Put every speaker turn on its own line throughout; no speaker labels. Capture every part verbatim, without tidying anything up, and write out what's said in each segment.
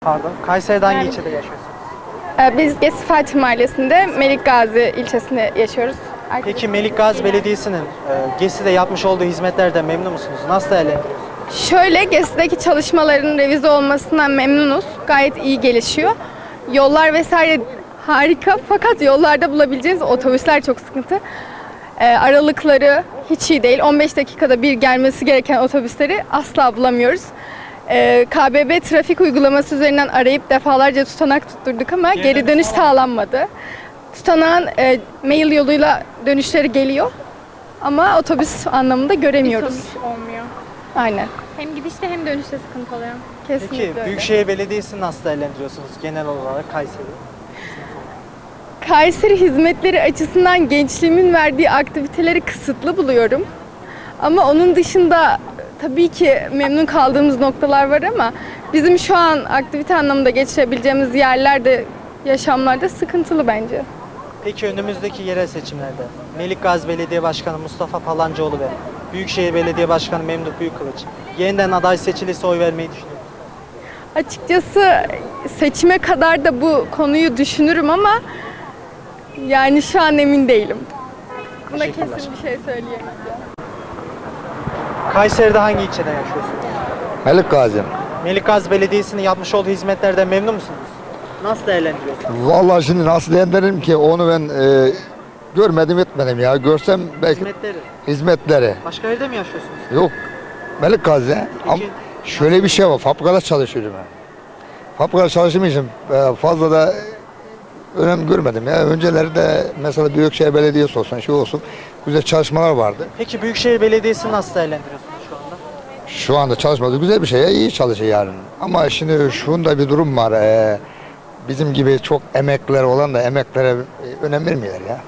Pardon. Kayseri'de hangi ilçede yaşıyorsunuz?
Ee, Biz Gesi Fatih Mahallesi'nde Melik Gazi ilçesinde yaşıyoruz.
Peki Melik Gazi Belediyesi'nin e, Gesi'de yapmış olduğu hizmetlerden memnun musunuz? Nasıl değerlendiriyorsunuz?
Şöyle, Gesi'deki çalışmaların revize olmasından memnunuz. Gayet iyi gelişiyor. Yollar vesaire harika, fakat yollarda bulabileceğiniz otobüsler çok sıkıntı. Ee, aralıkları hiç iyi değil. on beş dakikada bir gelmesi gereken otobüsleri asla bulamıyoruz. Ee, K B B trafik uygulaması üzerinden arayıp defalarca tutanak tutturduk ama
Geri
geri
dönüş
dönüş sağlanmadı. Tutanağın e, mail yoluyla dönüşleri geliyor ama otobüs anlamında göremiyoruz.
Sonuç olmuyor.
Aynen.
Hem gidişte hem dönüşte sıkıntı oluyor.
Kesinlikle
Peki
öyle.
Büyükşehir Belediyesi'ni nasıl değerlendiriyorsunuz genel olarak Kayseri?
Kayseri hizmetleri açısından gençliğimin verdiği aktiviteleri kısıtlı buluyorum. Ama onun dışında tabii ki memnun kaldığımız noktalar var ama bizim şu an aktivite anlamında geçirebileceğimiz yerlerde, yaşamlarda sıkıntılı bence.
Peki önümüzdeki yerel seçimlerde Melik Gazi Belediye Başkanı Mustafa Palancıoğlu ve Büyükşehir Belediye Başkanı Memduh Büyükkılıç yeniden aday seçilirse oy vermeyi düşünüyor musunuz?
Açıkçası seçime kadar da bu konuyu düşünürüm ama yani şu an emin değilim. Buna
Teşekkürler.
kesin bir şey söyleyemeyeceğim.
Kayseri'de hangi ilçede yaşıyorsunuz?
Melik Gazi.
Melik Gazi Belediyesi'nin yapmış olduğu hizmetlerden memnun musunuz? Nasıl değerlendiriyorsunuz?
Vallahi şimdi nasıl değerlendiririm ki onu ben e, görmedim etmedim ya. Görsem belki
Hizmetleri.
hizmetleri.
Başka yerde mi yaşıyorsunuz?
Yok. Melik Gazi. Ama şöyle bir şey var. Fabrikada çalışıyorum ben. Fabrikada çalıştığım için e, fazla da önem görmedim ya. Önceleri de mesela Büyükşehir Belediyesi olsun, şey olsun. Güzel çalışmalar vardı.
Peki Büyükşehir Belediyesi'ni nasıl değerlendiriyorsunuz şu anda?
Şu anda çalışması güzel bir şey ya. İyi çalışıyor yani. Ama şimdi şunda bir durum var. E, bizim gibi çok emekliler olan da emeklere e, önem vermiyorlar ya.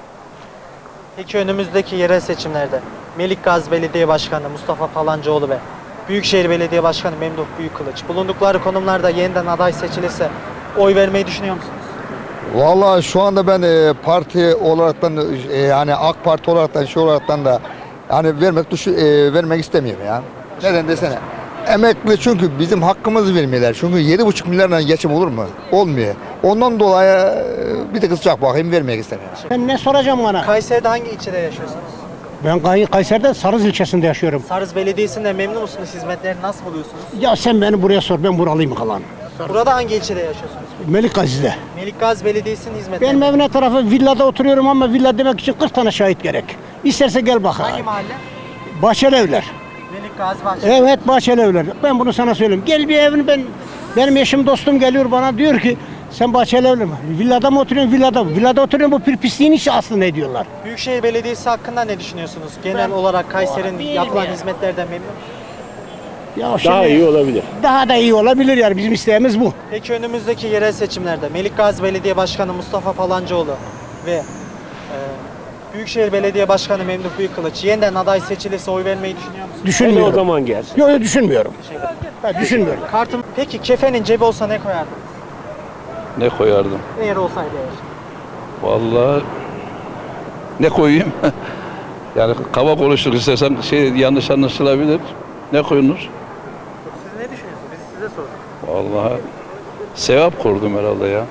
Peki önümüzdeki yerel seçimlerde Melik Gazi Belediye Başkanı Mustafa Palancıoğlu ve Büyükşehir Belediye Başkanı Memduh Büyükkılıç bulundukları konumlarda yeniden aday seçilirse oy vermeyi düşünüyor musunuz?
Vallahi şu anda ben e, parti olaraktan e, yani AK Parti olaraktan şey olaraktan da yani vermek düşü, e, vermek istemiyorum ya. Neden desene? Emekli çünkü bizim hakkımızı vermiyorlar. Çünkü yedi buçuk milyarla geçim olur mu? Olmuyor. Ondan dolayı e, bir tık sıcak bakayım vermek istemiyorum.
Ben ne soracağım bana?
Kayseri'de hangi ilçede yaşıyorsunuz?
Ben Kay- Kayseri'de Sarız ilçesinde yaşıyorum.
Sarız Belediyesi'nden memnun musunuz? Hizmetlerini nasıl buluyorsunuz?
Ya sen beni buraya sor, ben buralıyım kalan.
Burada hangi ilçede yaşıyorsunuz?
Melik Gazi'de.
Melik Gazi Belediyesi'nin hizmetleri.
Benim evine tarafı villada oturuyorum ama villa demek için kırk tane şahit gerek. İsterse gel bak.
Hangi mahalle?
Bahçeli evler.
Melik Gazi Bahçeli.
Evet, Bahçeli evler. Ben bunu sana söyleyeyim. Gel bir evini ben, benim eşim dostum geliyor bana diyor ki sen Bahçeli evler mi? Villada mı oturuyorsun? Villada mı? Villada oturuyorum, bu bir pisliğin işi aslında ne diyorlar?
Büyükşehir Belediyesi hakkında ne düşünüyorsunuz? Genel olarak Kayseri'nin
değilim
yapılan
ya.
hizmetlerden memnun musunuz?
Ya şimdi,
Daha iyi olabilir.
Daha da iyi olabilir yani, bizim isteğimiz bu.
Peki önümüzdeki yerel seçimlerde Melik Gazi Belediye Başkanı Mustafa Palancıoğlu ve e, Büyükşehir Belediye Başkanı Memduh Büyükkılıç yeniden aday seçilirse oy vermeyi düşünüyor musunuz?
Hele
Düşünmüyorum.
o zaman gelsin.
Yok yok düşünmüyorum. Ben düşünmüyorum.
Kartım. Peki kefenin cebi olsa ne koyardınız?
Ne koyardım?
Eğer olsaydı eğer.
Vallahi ne koyayım? Yani kaba konuştuk istesem şey yanlış anlaşılabilir. Ne koyunur?
Siz ne düşünüyorsunuz? Biz size sorduk.
Vallahi sevap kurdum herhalde ya.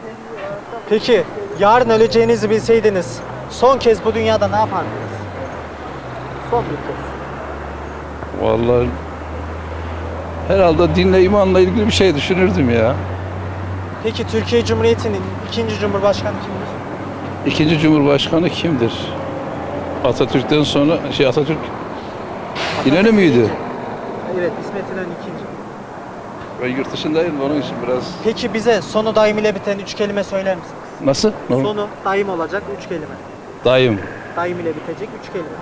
Peki yarın öleceğinizi bilseydiniz son kez bu dünyada ne yapardınız? Son bir kez.
Vallahi herhalde dinle imanla ilgili bir şey düşünürdüm ya.
Peki Türkiye Cumhuriyeti'nin ikinci Cumhurbaşkanı kimdir?
İkinci Cumhurbaşkanı kimdir? Atatürk'ten sonra şey Atatürk İnönü müydü?
Evet, İsmet İnönü ikinci.
Ben yurt dışındayım onun için biraz.
Peki bize sonu daim ile biten üç kelime söyler misiniz?
Nasıl? Ne?
Sonu daim olacak üç kelime.
Dayım.
Daim ile bitecek üç kelime.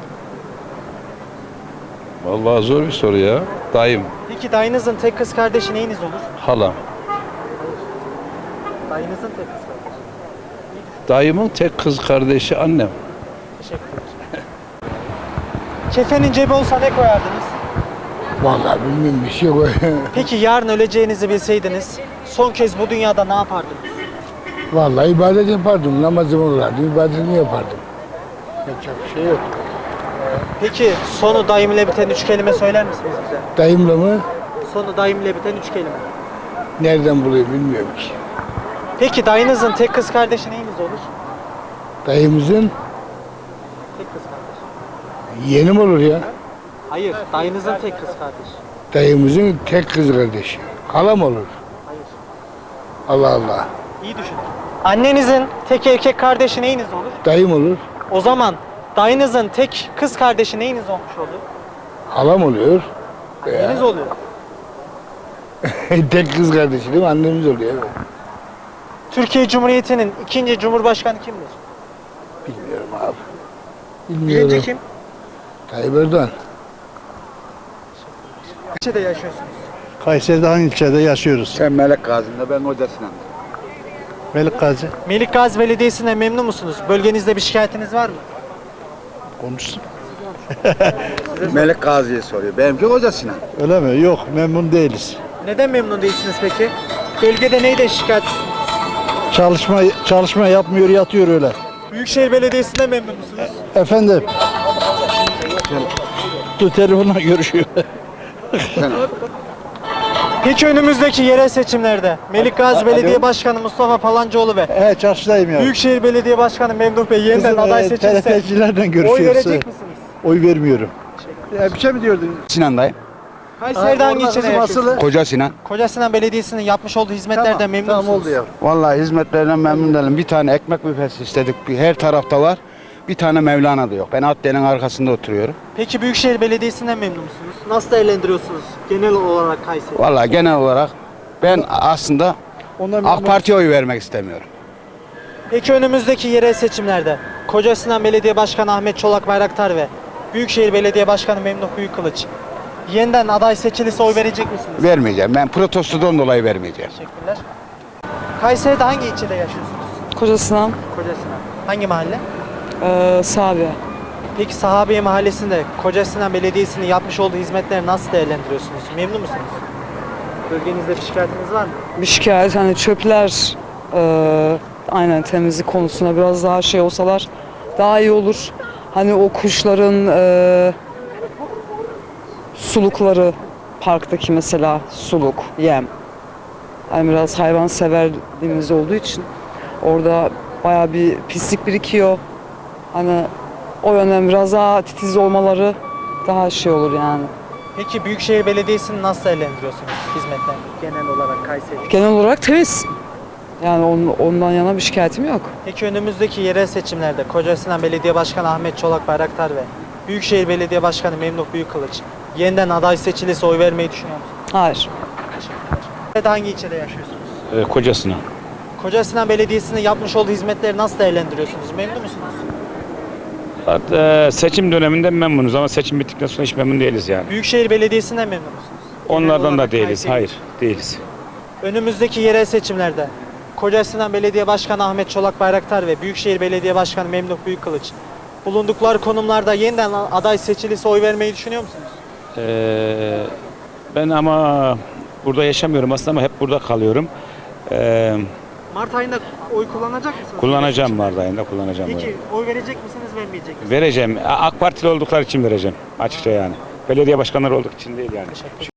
Vallahi zor bir soru ya. Dayım.
Peki dayınızın tek kız kardeşi neyiniz olur?
Halam.
Dayınızın tek kız kardeşi.
Dayımın tek kız kardeşi annem.
Teşekkür ederim. Kefenin cebi olsa ne koyardınız?
Vallahi bilmiyorum bir şey koy.
Peki yarın öleceğinizi bilseydiniz son kez bu dünyada ne yapardınız?
Vallahi ibadet yapardım. Namazımı kılardım, ibadetimi yapardım. Yapacak bir şey yok.
Peki sonu daim ile biten üç kelime söyler misiniz bize?
Dayımla mı?
Sonu daim ile biten üç kelime.
Nereden bulayım bilmiyorum ki.
Peki dayınızın tek kız kardeşi neyiniz olur?
Dayımızın
Tek kız kardeş.
yeğenim olur ya.
Hayır, dayınızın tek kız kardeşi.
Dayımızın tek kız kardeşi. Halam olur.
Hayır.
Allah Allah.
İyi düşünün. Annenizin tek erkek kardeşi neyiniz olur?
Dayım olur.
O zaman dayınızın tek kız kardeşi neyiniz olmuş olur?
Halam oluyor.
Anneniz oluyor.
Tek kız kardeşi değil mi? Annemiz oluyor. Evet.
Türkiye Cumhuriyeti'nin ikinci Cumhurbaşkanı kimdir?
Bilmiyorum abi.
Birinci
Bilmiyorum.
kim?
Tayyip Erdoğan.
İlçede yaşıyorsunuz.
Kayseri'de hangi ilçede yaşıyoruz?
Sen Melek Gazi'nde, ben Hoca Sinan.
Melik Gazi.
Melik Gazi Belediyesi'ne memnun musunuz? Bölgenizde bir şikayetiniz var mı?
Konuşsun.
Melek Gazi'ye soruyor. Benimki Hoca Sinan.
Öyle mi? Yok, memnun değiliz.
Neden memnun değilsiniz peki? Bölgede neyde şikayet?
Çalışma çalışma yapmıyor, yatıyor öyle.
Büyükşehir Belediyesi'nde memnun musunuz?
Efendim. Dur telefonla görüşüyor.
Peki önümüzdeki yerel seçimlerde Melik Gazi Belediye Başkanı Mustafa Palancıoğlu ve
He, çarşıdayım ya.
Büyükşehir Belediye Başkanı Memduh Bey yeniden
Kızım,
aday
e,
seçilirse
T R T'cilerden
oy
görüşüyoruz.
verecek misiniz?
Oy vermiyorum. Ya bir şey mi diyordun?
Sinan'dayım.
Kayseri'de hangi ilçede yaşıyorsunuz?
Koca Sinan.
Kocasinan Belediyesi'nin yapmış olduğu hizmetlerden memnun
Tamam
musunuz?
oldu ya.
Vallahi hizmetlerinden memnun değilim. Bir tane ekmek büfesi istedik. Bir, her tarafta var. Bir tane Mevlana'da yok. Ben Adliye'nin arkasında oturuyorum.
Peki Büyükşehir Belediyesi'nden memnun musunuz? Nasıl değerlendiriyorsunuz genel olarak Kayseri?
Vallahi genel olarak ben aslında
Ondan
AK Parti'ye oy vermek istemiyorum.
Peki önümüzdeki yerel seçimlerde Kocasinan Belediye Başkanı Ahmet Çolak Bayraktar ve Büyükşehir Belediye Başkanı Memduh Büyükkılıç yeniden aday seçilirse oy verecek misiniz?
Vermeyeceğim. Ben protestodan dolayı vermeyeceğim.
Teşekkürler. Kayseri'de hangi ilçede yaşıyorsunuz?
Kocasinan,
Kocasinan. Hangi mahalle?
e, Sabiha.
Peki Sahabiye Mahallesi'nde Kocasinan Belediyesi'nin yapmış olduğu hizmetleri nasıl değerlendiriyorsunuz? Memnun musunuz? Bölgenizde bir şikayetiniz var mı?
Bir şikayet, hani çöpler, e, aynen temizlik konusunda biraz daha şey olsalar daha iyi olur. Hani o kuşların e, sulukları, parktaki mesela suluk, yem. Hani biraz hayvan severliğimiz olduğu için orada bayağı bir pislik birikiyor. Hani o yönden biraz daha titiz olmaları daha şey olur yani.
Peki Büyükşehir Belediyesi'ni nasıl değerlendiriyorsunuz hizmetlerini genel olarak Kayseri?
Genel olarak temiz. Yani on- ondan yana bir şikayetim yok.
Peki önümüzdeki yerel seçimlerde Kocasinan Belediye Başkanı Ahmet Çolak Bayraktar ve Büyükşehir Belediye Başkanı Memduh Büyükkılıç yeniden aday seçilirse oy vermeyi düşünüyor musunuz?
Hayır.
Teşekkürler. Hangi ilçede yaşıyorsunuz?
Ee, Kocasinan.
Kocasinan Belediyesi'nin yapmış olduğu hizmetleri nasıl değerlendiriyorsunuz? Memnun musunuz?
Hatta seçim döneminde memnunuz ama seçim bittikten sonra hiç memnun değiliz yani.
Büyükşehir Belediyesi'nden memnun musunuz? Genel
Onlardan da
olarak
değiliz.
Kayseri.
Hayır, değiliz.
Önümüzdeki yerel seçimlerde Kocasinan Belediye Başkanı Ahmet Çolak Bayraktar ve Büyükşehir Belediye Başkanı Memduh Büyükkılıç bulundukları konumlarda yeniden aday seçilirse oy vermeyi düşünüyor musunuz?
Ee, ben ama burada yaşamıyorum aslında ama hep burada kalıyorum. Ee,
Mart ayında oy kullanacak mısınız?
kullanacağım Mart ayında kullanacağım.
Peki
evet.
oy verecek misiniz, vermeyecek misiniz?
Vereceğim. AK Partili oldukları için vereceğim açıkça yani. Belediye başkanları olduk için değil yani.